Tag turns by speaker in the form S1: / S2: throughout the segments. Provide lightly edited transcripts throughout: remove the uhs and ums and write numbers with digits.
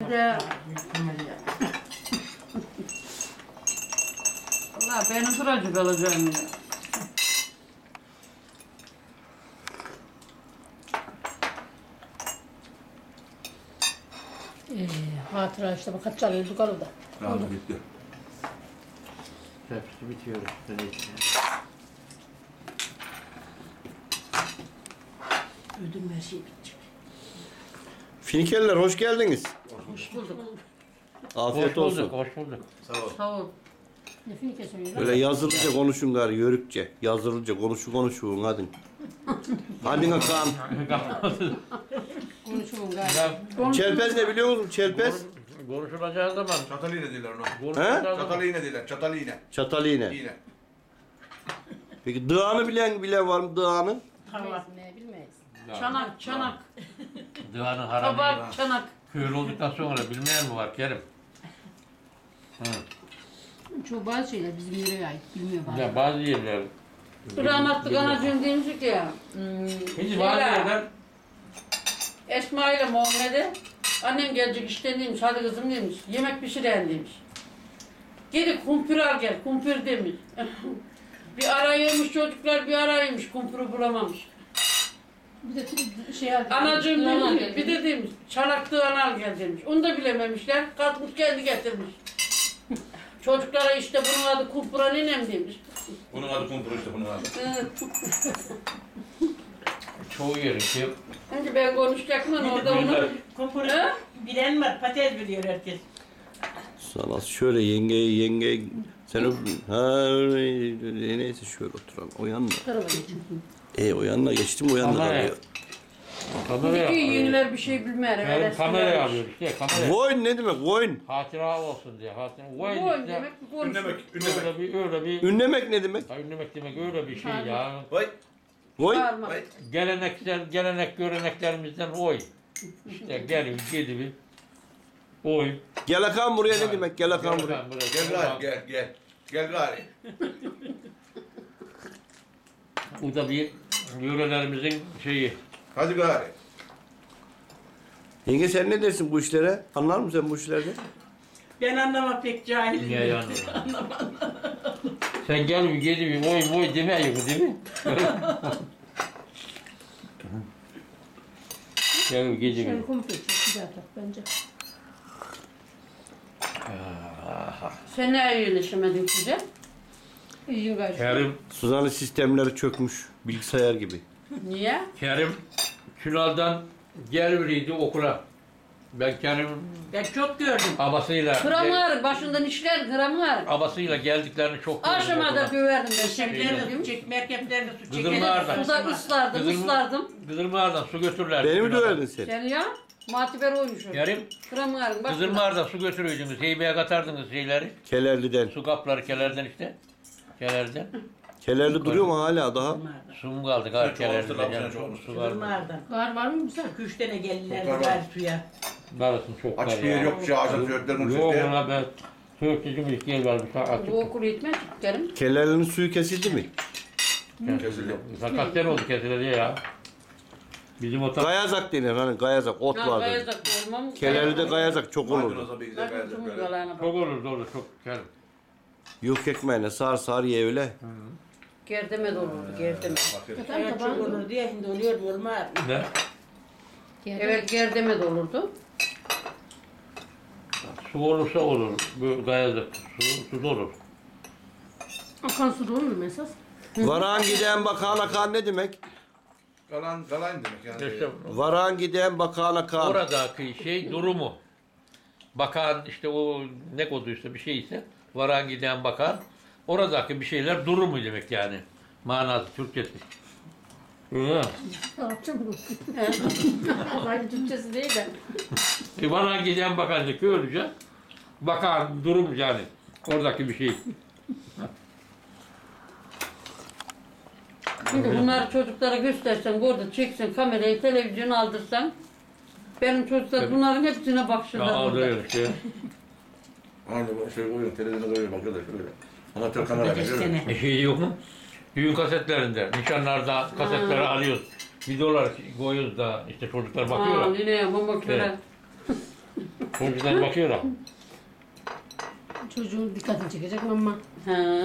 S1: Hadi. Allah benim sıracık alacağım ya.
S2: Hatıra işte bak kaç çalıyorduk arada.
S3: Tamam bitti.
S4: Hepsi bitiyor.
S2: Ödüm her şey bitecek.
S5: Finikeller hoş geldiniz.
S1: Hoş bulduk.
S5: Afiyet
S4: Hoş
S5: olsun.
S4: bulduk, hoş bulduk.
S3: Sağ ol.
S1: Sağ ol.
S2: Ne finike söylüyorlar?
S5: Böyle yazılıca konuşun gari yörükçe. Yazılıca konuşun hadi. Hadi bakalım.
S2: Konuşumun galiba.
S5: Çelpez ne biliyor musun? Çelpez.
S4: Konuşulacağı zaman.
S3: Çatal iğne diyorlar ona.
S4: Konuşulacağı
S3: Çatal
S4: zaman.
S3: iğne diyorlar. Çatal iğne.
S5: Çatal iğne.
S3: İğne.
S5: Peki dağını bilen var mı dağını?
S1: Tamam.
S2: Ne bilmeyiz.
S1: Çanak, çanak.
S4: Dağının haramı.
S1: Kabak, çanak.
S4: Köylü olduktan sonra bilmeyen mi var Kerim? Hı.
S2: Çoğu bazı şeyler bizim yöreye ait. Bilmiyor bazı.
S4: Ya bazı yerler.
S1: Rahmetli anacığım demiştik ya.
S4: Hiç bazı yerler.
S1: Esma ile Muhammed'e annem gelecek işten demiş, hadi kızım demiş, yemek pişiren demiş. Geri kumpir al gel, kumpir demiş. Bir araymış çocuklar, bir araymış, kumpiri bulamamış.
S2: Bir de şey aldı.
S1: Anacığım
S2: Yalan
S1: demiş, bir de demiş, çanaktığını al gel demiş. Onu da bilememişler, kalkmış kendi getirmiş. Çocuklara işte bunun adı kumpira ninem demiş.
S3: Bunun adı kumpur işte bunun adı.
S4: Çoğu yerin ki.
S1: Şimdi ben konuşacaktım ama orada onu...
S6: Kumpuru
S1: Ha?
S6: bilen var, patates biliyor herkes.
S5: Sana şöyle yenge sen öyle neyse şöyle oturalım. O yanına.
S2: Tarafa geçin.
S5: O yanına geçtim o yanına
S4: Kameraya.
S5: kalıyor.
S4: Kameraya
S1: Bugün
S4: alıyor.
S1: yeniler bir şey bilmer.
S4: Yani kameraya alıyor işte kameraya.
S5: Voyn ne demek voyn?
S4: Hatıra olsun diye. Hatıra. Vay
S1: Bu
S4: işte.
S1: demek bu konuşuyor.
S3: Ünlemek. Ünlemek.
S4: Öyle bir.
S5: Ünlemek ne demek?
S4: Ha, ünlemek demek öyle bir şey ya.
S3: Vay.
S5: Voy.
S1: Bağırma.
S3: Vay.
S4: Gelenek göreneklerimizden oy. İşte gelin gidin. Oy.
S5: Gel akan buraya ne demek? Gel akan buraya.
S3: Gel gari gel gel. Gel gari.
S4: Bu da bir yörelerimizin şeyi.
S3: Hadi gari.
S5: Yenge sen ne dersin bu işlere? Anlar mısın sen bu işlerden?
S6: Ben anlamam pek cahilim.
S4: Niye yani? Sen gel bir gel bir oy demiyor değil mi? Gel bir gece
S2: Şöyle
S4: bir.
S2: kumpir çok güzel tat bence.
S1: Sen ne iyileşemedin size?
S2: İyi gayet.
S4: Kerim,
S5: Suzan'ın sistemleri çökmüş. Bilgisayar gibi.
S1: Niye?
S4: Kerim Çınar'dan geliriydi okula. Ben Kerim'in
S6: Ben çok gördüm.
S4: abasıyla
S1: Kramar, başından işler kramar.
S4: abasıyla geldiklerini çok gördüm
S1: Aşamada
S4: okula.
S1: döverdim ben
S6: Çeklerle
S1: şekilde.
S6: su çek, merkeplerle su çek.
S4: Kızılmağar'dan.
S1: Suda ıslardım, ıslardım.
S4: Kızılmağar'dan su götürürlerdi.
S5: Beni mi
S4: Çınar'dan.
S5: döverdin sen?
S1: Sen ya, matiber oymuşum.
S4: Kerim
S1: Kramarın başında.
S4: Kızılmağar'dan su götürüyordunuz. Heybeye katardınız şeyleri.
S5: Kelerli'den.
S4: Su kapları kelerden işte. Kelerden.
S5: Kelerli duruyor mu hala daha?
S4: Su mu kaldı galiba
S3: Çok
S4: kelerden?
S3: olmuştur,
S4: Yani
S3: çok olmuştur.
S4: su var mı?
S6: Kızılmağar'dan.
S2: Var mı güzel?
S6: 2-3 tane geldiler
S3: Çok var.
S6: gari suya.
S4: Darısın çok var
S3: Aç bir yer yok. Şey ağacın çocuklarının
S4: Yok
S3: çocukları.
S4: ona ben Türkçücüm ilk yer vermiş. Açık.
S1: Bu okul yetmez Kerim.
S5: Kelerli'nin suyu kesildi mi?
S3: Kesildi.
S4: Sakat yer oldu kesildi ya. Bizim o
S5: Gayazak denir hani gayazak ot
S1: Ha,
S5: vardır.
S1: gayazak olmam.
S5: Kelerli'de gayazak çok olurdu.
S3: Maydanoza bir güzel
S1: Bakın
S3: gayret
S1: tümü
S3: böyle.
S1: galağına bak.
S4: çok olur çok kerim.
S5: Yok ekmeğine sar ye öyle.
S1: Gerdeme de olurdu, gerdeme.
S3: Bakın.
S2: Tamam
S6: Evet çok
S2: tamam.
S6: olur diye şimdi oluyor mu olmaz.
S4: Ne?
S1: Evet, gerdeme de olurdu.
S4: Su olursa olur. Bu gayazlık. Su olur.
S2: Akan su da olur mu esas?
S5: Varan giden bakan akan ne demek?
S3: Kalan demek yani.
S4: İşte
S5: Varan giden bakan akan.
S4: oradaki şey durumu. Bakan işte o ne koduysa bir şeyse varan giden bakan oradaki bir şeyler durumu demek yani. Manası Türkçesi. Hı.
S2: Yapacağım bunu. Aynı Türkçesi değil de.
S4: Varan giden bakan işte köylüce bakan durum yani. Oradaki bir şey.
S1: Şimdi bunları çocuklara göstersen, burada çeksen, kamerayı, televizyonu aldırsan, benim çocuklar bunların hepsine
S4: Ya
S1: bakışırlar burada.
S4: alıyor işte.
S3: Aynı bu şey koyuyor. Televizyona koyuyor. Bakıyorlar şöyle. Amatör kamera.
S6: Kaç
S3: görüyor musun?
S6: sene.
S4: Şey yok mu? Düğün kasetlerinde, nişanlarda kasetleri alıyoruz. Videolar koyuyoruz da işte çocuklar
S1: Aa,
S4: bakıyorlar.
S1: yine mama köre.
S4: Önceden bakıyorum.
S2: Çocuğun dikkatini çekecek ama.
S1: Ha.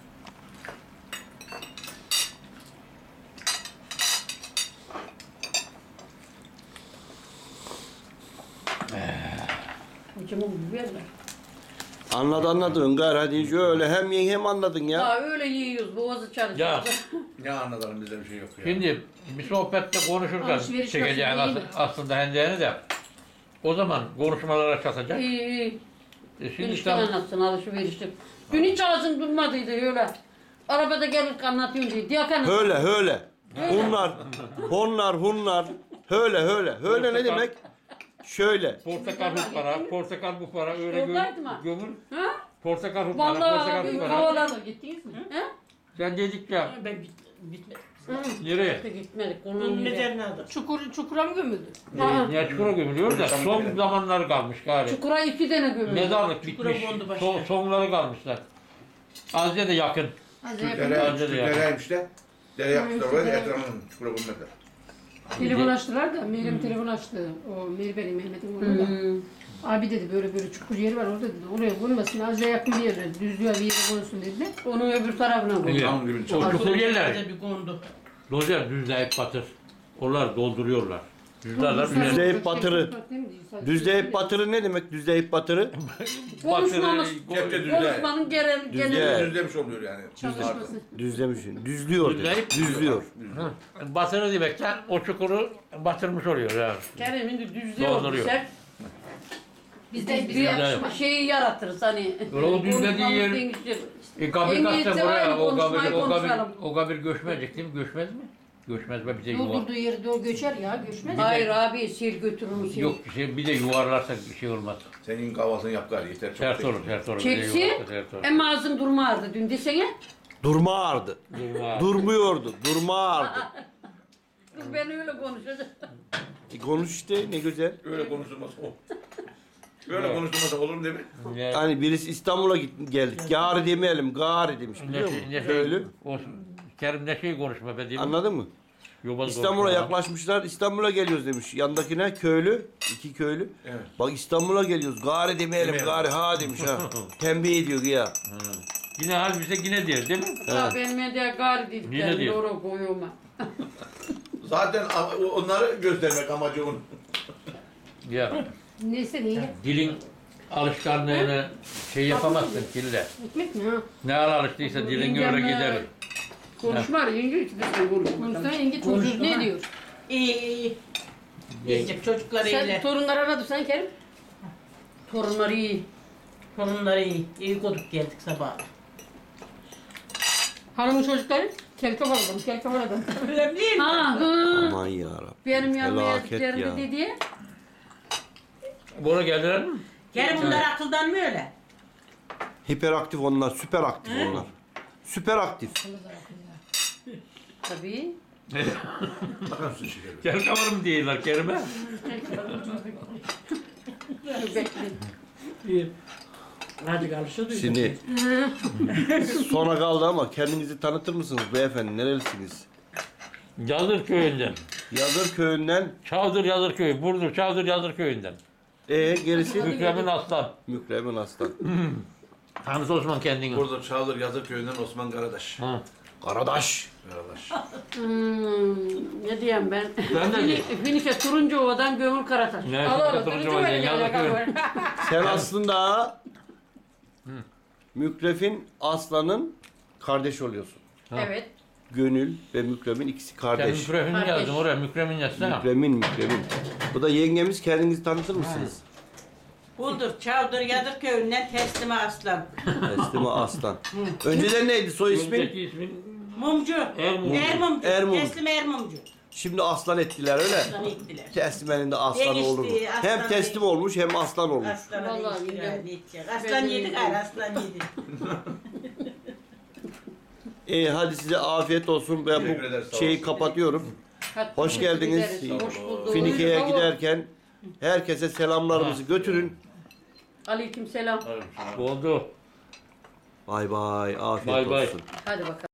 S1: Hocam o biberler.
S5: Anladın gayrı hadi şöyle hem yiyin hem anladın ya.
S1: Ha öyle yiyoruz, boğazı çalışıyor.
S4: Ya.
S3: Ne anlatalım bizde bir şey yok ya.
S4: Şimdi bir sohbette konuşurken
S2: Alışveriş
S4: çekeceğin
S2: nasıl, iyi mi?
S4: aslında hendeğini de o zaman konuşmalara çatacak.
S1: İyi iyi.
S4: Şimdi
S1: Enişte
S4: tam
S1: anlatsın alışverişte. Dün hiç ağzım durmadıydı öyle. Arabada gelirken anlatıyorum diye. Diyak anlat.
S5: Höyle. Hunlar. Höyle ne demek? Şöyle.
S4: portakal bu para, portakal bu para öyle
S1: Yoldaydı mı?
S4: gömür.
S1: Ha?
S4: Portakal bu para,
S1: Vallahi
S4: portakal
S1: abi
S4: bu para.
S1: havaladı.
S2: Gittiniz mi?
S1: Ha?
S4: Sen dedik ya
S6: Ben bitmedim.
S4: nereye?
S1: Gitmedik.
S6: Bunun
S1: Onun
S6: üzerine aldım.
S2: Çukura mı gömüldü?
S4: Niye çukura gömülüyor da son zamanlar kalmış gari.
S1: Çukura 2 tane gömüldü.
S4: Mezarlık
S6: Çukura
S4: bitmiş.
S6: kondu başka.
S4: Sonları kalmışlar. Azze de yakın.
S2: Hadi yakın.
S3: Dereymiş de. Dere yapmışlar oraya da etrafını çukura koymuşlar.
S2: Telefon açtılar da Meryem telefon açtı. O Mehmet'in oğlu da.
S1: Hmm.
S2: Abi dedi böyle çukur yeri var orada dedi. Oraya konmasın azıcık yakın bir yere düzlüğe bir yere konsun dedi.
S1: Onun öbür tarafına koy.
S4: Evet.
S3: Tam dibini
S4: O
S3: çalıyor.
S4: çukur yerler.
S6: Nerede bir kondu.
S4: Dozer düzleyip batır. Onlar dolduruyorlar. Düzlerler.
S5: Düzleyip batırı. Düzleyip batırı ne demek düzleyip batırı?
S1: Konuşmamız.
S3: Cepte düzle.
S1: Konuşmanın genel.
S5: Düzle.
S3: Düzlemiş oluyor yani.
S2: Çalışması.
S5: Düzlemişsin. Düzlüyor demek.
S4: Düzleyip-
S5: Düzlüyor.
S4: Batırı demekten o çukuru batırmış oluyor yani.
S1: Kerem'in de düzlüyor
S4: Dolduruyor.
S1: desek.
S2: Biz de
S1: Bir şeyi yaratırız hani.
S4: O düzlediği
S1: konuşmamız
S4: yer-
S1: değişir.
S4: Kabir
S1: İngilizce
S4: kaçsa
S1: var
S4: buraya
S1: mı? Konuşmayı konuşalım.
S4: o kabir göçmeyecek değil mi? Göçmez mi? Göçmez be bize yuvar.
S2: doldurduğu yeri doğru göçer ya göçmez.
S1: Hayır abi sil götürür müsün?
S4: Yok bir de yuvarlarsak bir şey olmaz.
S3: Senin kahvaltını yap gari yeter. Çok
S4: Ters
S3: tek.
S4: olur, ters olur. Bir de
S1: Çeksin.
S4: yuvarlarsa ters olur.
S1: Hem ağzım durmazdı dün desene.
S5: Durma ağırdı.
S4: Durma.
S5: Durmuyordu. Durma ağırdı.
S1: Kız ben öyle konuşacağım.
S5: Konuş işte ne güzel.
S3: Öyle konuşulmaz o. Böyle konuşulmasa olur mu değil mi?
S4: Ne,
S5: Hani birisi İstanbul'a geldik. Gari demeyelim. Gari demiş biliyor musun?
S4: ne
S5: Öyle.
S4: o, Kerim ne şey konuşma be değil mi?
S5: Anladın mı?
S4: Yobaz
S5: İstanbul'a
S4: konuşma.
S5: yaklaşmışlar. İstanbul'a geliyoruz demiş. Yandakine köylü. 2 köylü.
S3: Evet.
S5: Bak İstanbul'a geliyoruz. Gari demeyelim.
S3: Demeyelim.
S5: Gari ha demiş ha. Tembih ediyor ya.
S4: Yine halbuki yine diyor değil mi?
S1: Ya ben medya gari
S4: Yine
S1: dediklerim
S4: diyor.
S1: doğru koyuyorum.
S3: Zaten onları göstermek amacı onun.
S4: Ya
S2: Neyse neyle?
S4: dilin alışkanlığını şey yapamazsın dille.
S2: Ekmek mi ha?
S4: Ne ara alıştıysa dilin öyle gider.
S1: Konuşma yenge hiç de konuşma.
S2: Konuşsan yenge çocuk ne diyor?
S6: İyi. Yiyecek çocuklar
S2: Sen
S6: iyiler.
S2: torunları aradı sen Kerim.
S1: Torunları iyi.
S6: Torunları iyi. İyi koduk geldik sabah.
S2: Hanımın çocukları kel kafalı kel kafalı adam.
S6: Öyle değil mi?
S1: Ha hı.
S5: Aman yarabbim.
S1: Benim yanıma
S5: Felaket
S1: yediklerini
S5: ya.
S1: dedi.
S4: Buna geldiler mi?
S6: Gel bunlar akıldan mı öyle?
S5: Hiperaktif onlar. Süper aktif onlar. Süper aktif.
S1: Tabii.
S3: Bakar mısın şekerim?
S4: Gel kavarım diyorlar Kerim'e.
S1: Dur bekle.
S6: Hadi alışıyor
S5: Şimdi sona kaldı ama kendinizi tanıtır mısınız beyefendi? Nerelisiniz?
S4: Yazır köyünden.
S5: Yazır köyünden.
S4: Çavdır Yazır köyü. Burdur Çavdır Yazır köyünden.
S5: Gerisi?
S4: Mükremin Aslan.
S5: Mükremin Aslan.
S4: Hamza Osman kendini.
S3: Burada Çağlar Yazır Köyü'nden Osman Karadaş.
S4: Ha.
S5: Karadaş.
S3: Karadaş.
S1: Ne diyeyim ben?
S4: Ben de diyeyim.
S1: Finike Turuncuova'dan Gömül Karataş.
S4: Ne?
S1: Al oğlum,
S4: Turuncuova değil,
S1: Turuncuova'ya
S4: Yazır
S1: gel,
S4: köyü.
S5: Sen aslında Mükref'in Aslan'ın kardeş oluyorsun.
S1: Evet.
S5: Gönül ve Mükrem'in ikisi
S4: Sen
S5: kardeş.
S4: Mükremin
S1: Kardeş.
S4: yazdın oraya. Mükremin yazsana.
S5: Mükremin. Bu da yengemiz, kendinizi tanıtır mısınız?
S6: Buldur, Çavdır, Yadır köyünden Teslime Aslan.
S5: Teslime Aslan. Önceden neydi soy ismin?
S4: Önceki ismin
S6: Mumcu.
S4: Ermumcu.
S6: Ermumcu.
S5: Ermum.
S6: Teslime Ermumcu.
S5: Şimdi aslan ettiler öyle.
S6: Aslanı ittiler.
S5: Teslimenin de aslanı
S6: Değişti,
S5: olur mu?
S6: aslan
S5: Hem teslim olmuş hem aslan olmuş.
S6: Aslanı
S1: Vallahi
S6: değiştiler.
S1: yine-
S6: Ne edecek? Aslan yedi gayrı, aslan yedi.
S5: Hadi size afiyet olsun. Ben
S3: Teşekkür ederiz,
S5: bu
S3: sağ
S5: şeyi
S3: olsun.
S5: kapatıyorum.
S1: Hadi
S5: Hoş geldiniz.
S1: gideriz, Hoş bulduk.
S5: Finike'ye
S1: Buyurun,
S5: giderken herkese selamlarımızı götürün.
S1: Aleyküm selam.
S4: oldu.
S5: Bay bay. Afiyet
S4: Bay bay.
S5: olsun.
S1: Hadi bakalım.